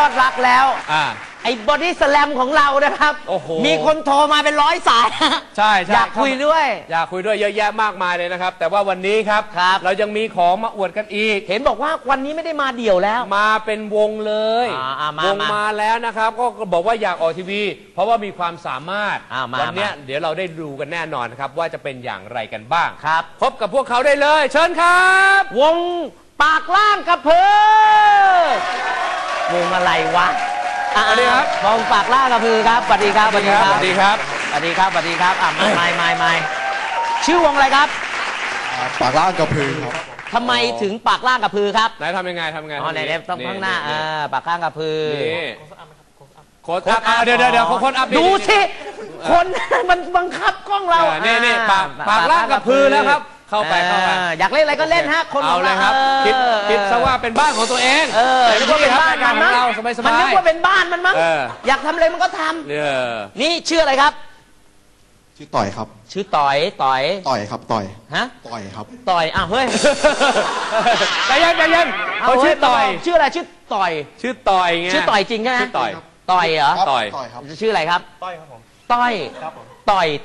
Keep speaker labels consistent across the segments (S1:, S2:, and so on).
S1: อดรักแล้วไอ้บอดี้สแลมของเรานะครับมีคนโทรมาเป็น100 สาย
S2: ใช่
S1: อยากคุยด้วย
S2: อยากคุยด้วยเยอะแยะมากมายเลยนะครับแต่ว่าวันนี้ครับเรายังมีของมาอวดกันอีก
S1: เห็นบอกว่าวันนี้ไม่ได้มาเดี่ยวแล้ว
S2: มาเป็นวงเลยวงมาแล้วนะครับก็บอกว่าอยากออกทีวีเพราะว่ามีความสามารถวันนี้เดี๋ยวเราได้ดูกันแน่นอนครับว่าจะเป็นอย่างไรกันบ้าง
S1: ครับ
S2: พบกับพวกเขาได้เลยเชิญครับ
S1: วงปากล่างกระเพือวงอะไรวะ
S2: สวัสดีครับ
S1: วงปากล่างกระพือครับสวัสดีครับ
S2: สวัสดีครับสวัสดีครับ
S1: สวัสดีครับสวัสดีครับไม่ชื่อวงอะไรครับ
S3: ปากล่างกระพือครับ
S1: ทำไมถึงปากล่างกระพือครับ
S2: ไหนทำยังไง
S1: อ๋อไหนต้องข้างหน้าปากล่างกระพือ
S2: โค้ดอัพเดี๋ยวโค้ดอัพ
S1: ดูสิคนมันบังคับกล้องเรา
S2: นี่ปากล่างกระพือแล้วครับเข้าไป
S1: อยากเล่นอะไรก็เล่นฮะคน
S2: เอาเลยครับคิดซะว่าเป็นบ้านของตัวเอง
S1: นึกว่าเป็นบ้านมันมั้งมันนึกว่าเป็นบ้านมันมั้งอยากทำอะไรมันก็ทำนี่ชื่ออะไรครับ
S3: ชื่อต่อยครับ
S1: ชื่อต่อย
S3: ครับต่อย
S1: ฮะ
S3: ต่อยครับ
S1: ต่อยเฮ้ย
S2: ใจเย็นเขาชื่อต่อย
S1: ชื่ออะไรชื่อต่อย
S2: ชื่อต่อยไง
S1: ชื่อต่อยจริงใช่ไหม
S2: ชื่อต่อย
S1: เหรอ
S2: ต่อย
S3: ครับ
S1: ชื่ออะไรครับ
S3: ต้อยครับผม
S1: ต้อย
S3: ครับผม
S1: ต่อย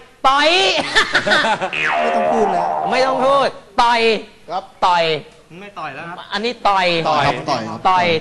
S3: ไม่ต้องพูดแล้ว
S1: ไม่ต้องพูดต่อย
S3: ครับ
S1: ต่อย
S3: ไม่ต่อยแล้วครับ
S1: อันนี้ต่อย
S3: ครับต่อย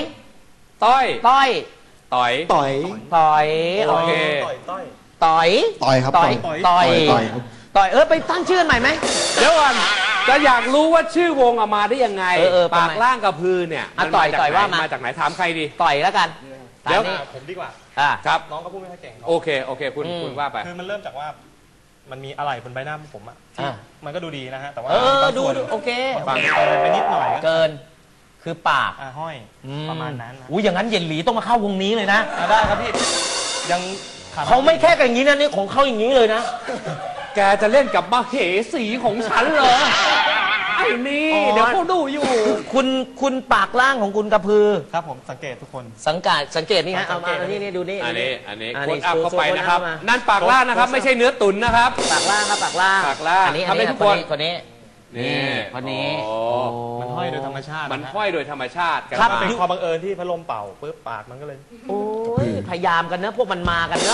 S2: โอเค
S1: ต่อย
S3: ครับ
S1: ต่อยไปตั้งชื่อใหม่ไหม
S2: เดี๋ยวก่อนจะอยากรู้ว่าชื่อวงมาได้ยังไงปากล่างกระพือเนี่ย
S1: ต่อยว่ามา
S2: จากไหนถามใครดี
S1: ต่อยแล้วกัน
S3: เดี๋ยวผมดีกว่า
S2: ครับ
S3: น้องก็พูดไม่ค่อยเก่ง
S2: โอเคคุณว่าไป
S3: คือมันเริ่มจากว่ามันมีอะไรบนใบหน้าผมอ่ะมันก็ดูดีนะฮะแต่ว่า
S1: ดูโอเค
S3: ฟังไปนิดหน่อย
S1: เกินคือปาก
S3: ห้อยประมาณนั้น
S1: อย่างนั้นเย็นหลีต้องมาเข้าวงนี้เลยนะ
S3: ได้ครับพี่ยัง
S1: เขาไม่แค่กันอย่างนี้นะนี่ของเขาอย่างนี้เลยนะ
S2: แกจะเล่นกับมเหสีของฉันเหรอไอ้นี่เดี๋ยวเขาดูอยู่
S1: คุณปากล่างของคุณกระพือ
S3: ครับผมสังเกตทุกคน
S1: สังเกตนี่ฮะเอามานี่ดูนี่
S2: อันนี้โค้ดอัพเข้าไปนะครับนั่นปากล่างนะครับไม่ใช่เนื้อตุ๋นนะครับ
S1: ปากล่างครับปากล่างอันนี้
S2: ทุกคน
S1: คนนี้คนนี้
S3: มันห้อยโดยธรรมชาติ
S1: ครับ
S3: เป็นความบังเอิญที่พัดลมเป่าปุ๊บปากมันก็เลย
S1: โอ้ยพยายามกันนะพวกมันมากันเนอะ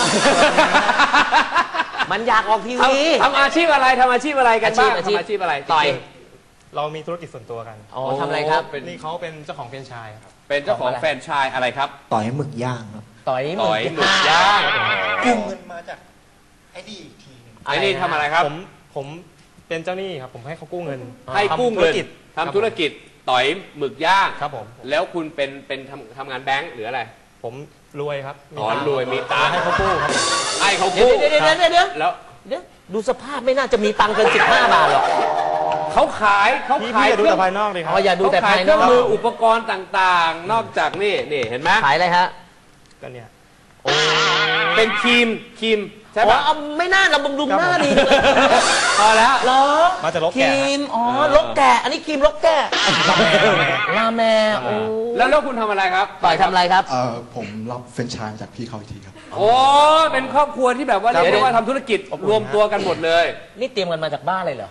S1: มันอยากออกทีวี
S2: ทำอาชีพอะไรกันบ้างทำอาชีพอะไร
S1: ต่อย
S3: เรามีธุรกิจส่วนตัวกัน
S1: ทำอะไรครับ
S3: นี่เขาเป็นเจ้าของแฟรนไชส์ครับ
S2: เป็นเจ้าของแฟรนไชส์อะไรครับ
S3: ต่อยหมึกย่างครับ
S1: ต่อยหมึก
S2: ย่าง
S3: กู้เงินมาจากไอ้นี่อีกทีนึง
S2: ไอ้นี่ทำอะไรครับ
S3: ผมเป็นเจ้าหนี้ครับผมให้เขากู้เงิน
S2: ทำธุรกิจต่อยหมึกย่าง
S3: ครับผม
S2: แล้วคุณเป็นทำงานแบงค์หรืออะไร
S3: ผมรวยครับ
S2: รวยมีตังค์
S3: ให้เขากู้ครับ
S2: ให้เขากู้
S1: เดี๋ยวแล้วดูสภาพไม่น่าจะมีตังค์เกิน15 บาทหรอก
S2: เขาขาย
S3: ดูแต่ภายนอกเลยครับ
S1: อย่าดูแต่ภายนอก
S2: เครื่องมืออุปกรณ์ต่างๆนอกจากนี่เห็นไหม
S1: ขายอะไรฮะ
S3: ก็เนี่ย
S2: เป็นครีมใช่ป่ะ
S1: ไม่น่าเราบำรุงหน้าดีเลย
S2: พอแล้ว
S3: มาจากลก
S1: แกะครีมลกแกะอันนี้ครีมลกแกะลาแม
S2: แล้วคุณทำอะไรครับ
S1: ต่อยทำอะไรครับ
S3: ผมรับแฟรนไชส์จากพี่เขาอีกทีครับ
S2: เป็นครอบครัวที่แบบว่าเรียกว่าทำธุรกิจรวมตัวกันหมดเลย
S1: นี่เตรียมกันมาจากบ้านเลยเหรอ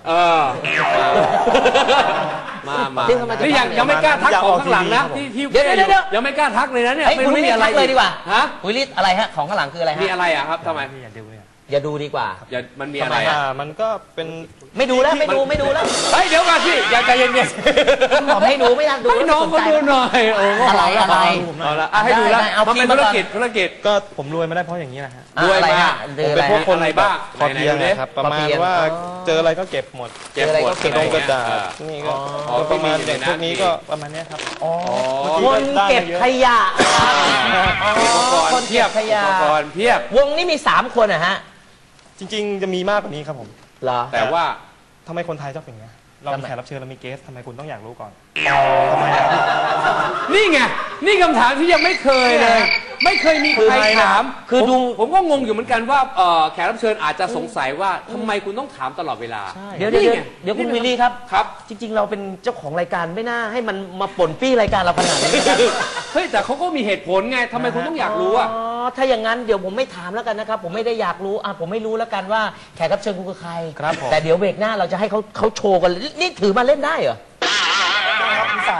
S2: มานี่ยังไม่กล้าทักของข้างหลังนะที่
S1: เดี๋ยว
S2: ยังไม่กล้าทักเลยนะเนี่ย
S1: ไม่รู้มีอะไรเลยดีกว่า
S2: ฮะ
S1: วิลิตอะไรฮะของข้างหลังคืออะไรฮะ
S2: มีอะไรอ่ะครับทำไม
S1: อย่าดูดีกว่า
S2: มันมีอะไร
S3: มันก็เป็น
S1: ไม่ดูแล้วไม่ดูแล้ว
S2: เฮ้ยเดี๋ยวก่อนสิอย่าใจเย็น
S1: ๆบอกให้ดูไม่อยากดู
S2: ให้น้องก็ดูหน่อย
S1: อะไร
S2: ให้ดูแล้วมันเป็นธุรกิจ
S3: ก็ผมรวยมาได้เพราะอย่างนี้นะฮะ
S2: รวยมา
S3: ผมเป็นพวกคนอะไรบ้างพอเพียงนะครับประมาณว่าเจออะไรก็เก็บหมดเก็บกระดาษนี่ก็ประมาณอย่างพวกนี้ก็ประมาณนี้ครับ
S1: คนเก็บขยะ
S2: คนเก็บขยะ
S1: วงนี้มี3 คนนะฮะ
S3: จริงๆจะมีมากกว่านี้ครับผม
S2: แต่ว่า
S3: ทำไมคนไทยชอบอย่างนี้เรามีแขกรับเชิญเรามีเกสทำไมคุณต้องอยากรู้ก่อน
S2: ทำไมนี่ไงนี่คำถามที่ยังไม่เคยเลยไม่เคยมีใครถาม
S1: คือ
S2: ผมก็งงอยู่เหมือนกันว่าแขกรับเชิญอาจจะสงสัยว่าทำไมคุณต้องถามตลอดเวลา
S1: เดี๋ยวคุณวิลลี่ครับจริงๆเราเป็นเจ้าของรายการไม่น่าให้มันมาป่นปี้รายการเราขนาดนี้
S2: เฮ้ยแต่เขาก็มีเหตุผลไงทำไมคุณต้องอยากรู้อ่ะ
S1: ถ้าอย่างนั้นเดี๋ยวผมไม่ถามแล้วกันนะครับผมไม่ได้อยากรู้ผมไม่รู้แล้วกันว่าแขกรับเชิญคุณคือใครแต่เดี๋ยวเบรกหน้าเราจะให้เขาโชว์กันนี่ถือมาเล่นได้เหรอ
S3: ได้ครับมีสายครับ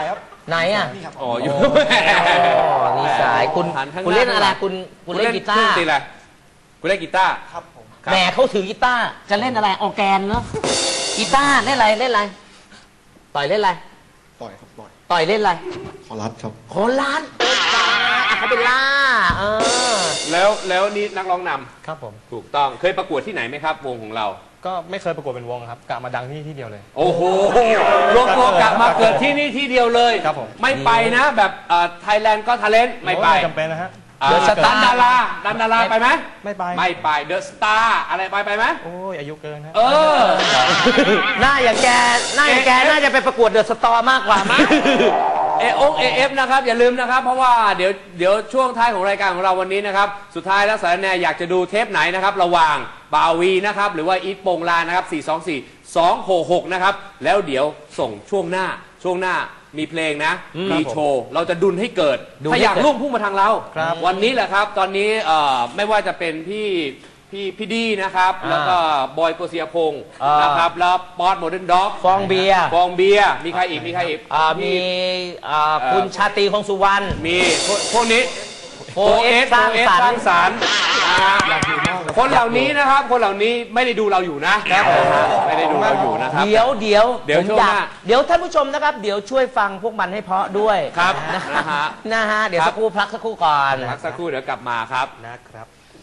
S1: ไหนอ่ะ
S2: อ๋ออยู่
S1: มีสายคุณ
S2: หันข้างหน้า
S1: คุณเล่นอะไรคุณเล่นกีตา
S2: เครื่อง
S1: ร์
S2: ตีอะไรคุณเล่นกีตาร์
S3: ครับผม
S2: ครับ
S1: แหมเขาถือกีตาร์จะเล่นอะไรออร์แกนเนาะกีตาร์เล่นอะไรต่อยเล่นอะไร
S3: ปล่อยครับปล่อย
S1: ต่อยเล่นอะไร
S3: ขอรัดครับ
S1: โคราชเขาเป็นล่า
S2: แล้วนี่นักร้องนำ
S3: ครับผม
S2: ถูกต้องเคยประกวดที่ไหนไหมครับ วงของเรา
S3: ก็ไม่เคยประกวดเป็นวงครับกะมาดังที่เดียวเลย
S2: โอ้โหรวมตัวกลับมาเกิดที่นี่ที่เดียวเลย
S3: ครับผม
S2: ไม่ไปนะแบบไทยแลนด์ก็ทาเลนต์ไม่ไป
S3: จำเป็นนะฮะ
S1: เดอะสตาร์
S2: ดันดาราไปไหม
S3: ไม่ไป
S2: ไม่ไปเดอะสตาร์อะไรไปไหม
S3: โอ้ยอายุเกินฮะ
S2: เออ
S1: หน้าอย่างแกน่าจะไปประกวดเดอะสตอร์มากกว่ามั้ง
S2: AF นะครับอย่าลืมนะครับ เพราะว่าเดี๋ยวช่วงท้ายของรายการของเราวันนี้นะครับสุดท้ายแล้วสารแนอยากจะดูเทปไหนนะครับระหว่างบาวีนะครับหรือว่าอีทโปงลานนะครับ424-266นะครับแล้วเดี๋ยวส่งช่วงหน้ามีเพลงนะมีโชว์เราจะดุลให้เกิดถ้าอยากร่วมพุ่งมาทางเราวันนี้แหละครับตอนนี้ไม่ว่าจะเป็นพี่ดีนะครับแล้วก็บอยโกเซียพงศ์นะครับแล้วป๊อตโมเดิร์นด็อก
S1: ฟองเบียร์
S2: มีใครอีก
S1: มีคุณชาตรีคงสุวรรณ
S2: มีพวกนี้
S1: โฟเอสสร้างสรรค์
S2: สรรค์คนเหล่านี้นะครับคนเหล่านี้ไม่ได้ดูเราอยู่นะไม่ได้ดูเราอยู่นะครับ
S1: เดี๋ยว
S2: เดี๋ยว
S1: ผม
S2: ช่วง
S1: อยา
S2: ห
S1: ก
S2: น้า
S1: เดี๋ยวท่านผู้ชมนะครับ เดี๋ยวช่วยฟังพวกมันให้เพราะด้วย
S2: ครับ
S1: นะฮะเดี๋ยวสักครู่พักสักครู่ก่อน
S2: พักสักครู่เดี๋ยวกลับมาครับ
S3: นะครับ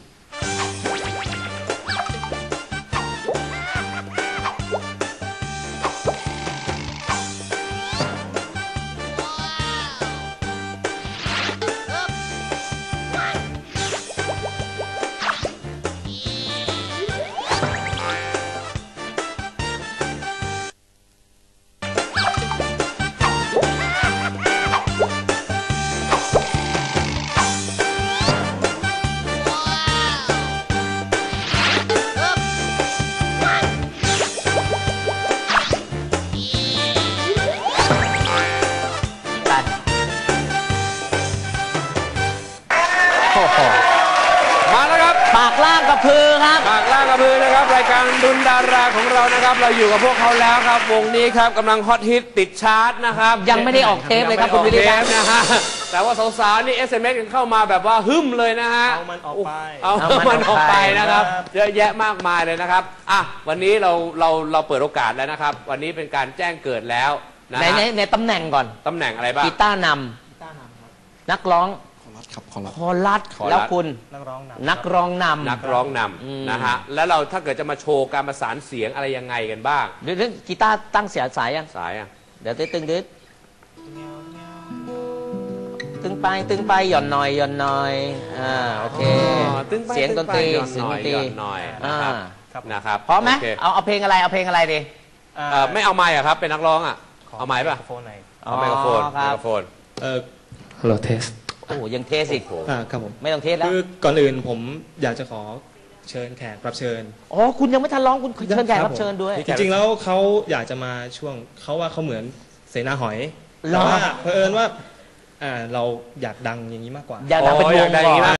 S2: มาแล้วครับ
S1: ปากล่างกับพือครับ
S2: ปากล่างกระพือนะครับรายการดุลดาราของเรานะครับ เราอยู่กับพวกเขาแล้วครับวงนี้ครับกำลังฮอตฮิตติดชาร์ตนะครับ
S1: ยังไม่ได้ออกเทปเลยครับคุณวิริยะ
S2: ยังไม่ได้ออกเทปนะฮะแต่ว่าสาวๆนี่ SMS กันเข้ามาแบบว่าหึมเลยนะฮะ
S3: เอามันออกไป
S2: เอามันออกไปนะครับเยอะแยะมากมายเลยนะครับอ่ะวันนี้เราเปิดโอกาสแล้วนะครับ วันนี้เป็นการแจ้งเกิดแล้วนะฮะ
S1: ในตำแหน่งก่อน
S2: ตำแหน่งอะไรบ้าง
S1: กีตาร์นำนักร้อง
S3: ขอรัดครับขอรัด
S1: คอรัสแล้วคุณ
S3: นักร้องน
S1: นักร้องนำ
S2: นักร้องนำนะฮะแล้วเราถ้าเกิดจะมาโชว์การประสานเสียงอะไรยังไงกันบ้าง
S1: เรื่องกีตาร์ตั้งเสียงสายยัง
S2: สายอ่ะ
S1: เดี๋ยวตึงตึงไปหย่อนหน่อยโอเค
S2: ตึ้งไป
S1: เสียงดนตรี
S2: ตึ้งไป
S1: เสียงดนตรี
S2: หย่อนหน่อยนะครับ นะครับ
S1: พร้อมไหม
S2: โเค
S1: เอาเพลงอะไรเอาเพลงอะไรดี
S3: ำ
S2: ไม่เอาไมค์อะครับเป็นนักร้องอะเอาไมค์ป่ะ
S3: โฟนไหน
S2: เอาไมโครโฟน
S1: อ๋อค
S2: ไม
S1: รับ
S2: โครโฟน
S4: ฮัลโหลเทส
S1: โอ้โหยังเทสอีก
S4: ครับผม
S1: ไม่ต้องเทสแล้ว
S4: คือก่อนอื่นผมอยากจะขอเชิญแขกรับเชิญ
S1: อ๋อคุณยังไม่ทันร้องคุณเชิญแขกรับเชิญด้วย
S4: จริงๆแล้วเขาอยากจะมาช่วงเขาว่าเขาเหมือนเสนาหอย
S1: เหรอ
S4: แต่ว่าเผอิญว่าเราอยากดังอย่างนี้มากกว่า
S1: อยากดังเป็นวง
S2: อยากดังอย่างนี้
S1: ก่อน
S2: มาก